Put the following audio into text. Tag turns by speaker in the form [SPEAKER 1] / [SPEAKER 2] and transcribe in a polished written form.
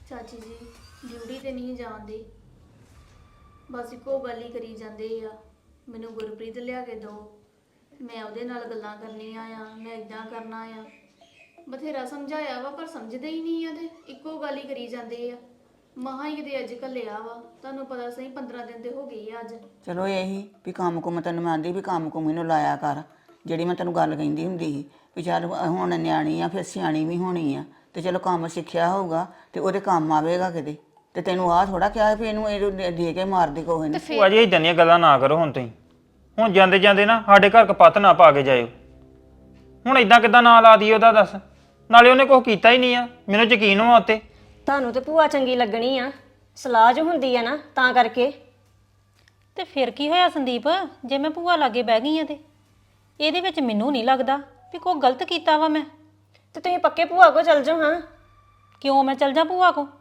[SPEAKER 1] ਚਾਚੀ ਜੀ ਡਿਊਟੀ ਤੇ ਨਹੀਂ ਜਾਂਦੇ, ਬਸ ਇੱਕੋ ਗੱਲ ਹੀ ਕਰੀ ਜਾਂਦੇ ਆ, ਮੈਨੂੰ ਗੁਰਪ੍ਰੀਤ ਲਿਆ ਕੇ ਦਿਓ, ਮੈਂ ਉਹਦੇ ਨਾਲ ਗੱਲਾਂ ਕਰਨੀਆਂ ਆ, ਮੈਂ ਇਦਾਂ ਕਰਨਾ ਆ। ਬਥੇਰਾ ਸਮਝਾਇਆ ਵਾ ਪਰ ਸਮਝਦੇ ਹੀ ਨਹੀਂ ਆ, ਤੇ ਇੱਕੋ ਗੱਲ ਹੀ ਕਰੀ ਜਾਂਦੇ ਆ। ਮਹਾਂ ਹੀ ਕਿਤੇ ਅੱਜ ਕੱਲਿਆ ਵਾ, ਤੁਹਾਨੂੰ ਪਤਾ ਸਹੀ 15 ਦਿਨ ਤੇ ਹੋ ਗਏ ਆ ਅੱਜ।
[SPEAKER 2] ਚਲੋ ਇਹੀ ਵੀ ਕੰਮ ਕੁਮ ਤੈਨੂੰ ਮੈਂ ਆਂਦੀ ਵੀ ਕੰਮ ਕੁਮ ਇਹਨੂੰ ਲਾਇਆ ਕਰ, ਜਿਹੜੀ ਮੈਂ ਤੈਨੂੰ ਗੱਲ ਕਹਿੰਦੀ ਹੁੰਦੀ ਸੀ ਵੀ ਚੱਲ ਹੁਣ ਨਿਆਣੀ ਆ ਫਿਰ ਸਿਆਣੀ ਵੀ ਹੋਣੀ ਆ, ਤੇ ਚਲੋ ਕੰਮ ਸਿੱਖਿਆ ਹੋਊਗਾ ਤੇ ਉਹਦੇ ਕੰਮ ਆਵੇਗਾ ਕਿਤੇ। ਤੇ ਤੈਨੂੰ ਆਹ ਥੋੜਾ ਕਿਹਾ ਵੀ ਇਹਨੂੰ ਦੇ ਕੇ ਮਾਰਦੀ ਕੋਹੇ ਨੇ।
[SPEAKER 3] ਭੂਆ ਜੀ ਇਦਾਂ ਦੀਆਂ ਗੱਲਾਂ ਨਾ ਕਰੋ ਹੁਣ ਤੁਸੀਂ। ਹੁਣ ਜਾਂਦੇ ਜਾਂਦੇ ਨਾ ਸਾਡੇ ਘਰ ਕਪੱਤ ਨਾ ਪਾ ਕੇ ਜਾਇਓ। ਹੁਣ ਇਦਾਂ ਕਿੱਦਾਂ ਨਾਂ ਲਾ ਦਈਏ ਉਹਦਾ ਦੱਸ? ਨਾਲੇ ਉਹਨੇ ਕੁਛ ਕੀਤਾ ਹੀ ਨਹੀਂ ਆ, ਮੈਨੂੰ ਯਕੀਨ ਵਾ ਉੱਤੇ।
[SPEAKER 4] ਤੁਹਾਨੂੰ ਤੇ ਭੂਆ ਚੰਗੀ ਲੱਗਣੀ ਆ, ਸਲਾਹ ਜੋ ਹੁੰਦੀ ਆ ਨਾ ਤਾਂ ਕਰਕੇ।
[SPEAKER 5] ਤੇ ਫਿਰ ਕੀ ਹੋਇਆ ਸੰਦੀਪ, ਜੇ ਮੈਂ ਭੂਆ ਲਾਗੇ ਬਹਿ ਗਈ ਆ ਤੇ ਇਹਦੇ ਵਿੱਚ ਮੈਨੂੰ ਨਹੀਂ ਲੱਗਦਾ ਵੀ ਕੋਈ ਗਲਤ ਕੀਤਾ ਵਾ ਮੈਂ।
[SPEAKER 4] ਤੇ ਤੁਸੀਂ ਪੱਕੇ ਭੂਆ ਕੋ ਚਲ ਜਾਓ। ਹਾਂ
[SPEAKER 5] ਕਿਉਂ ਮੈਂ ਚਲ ਜਾ ਭੂਆ ਕੋ?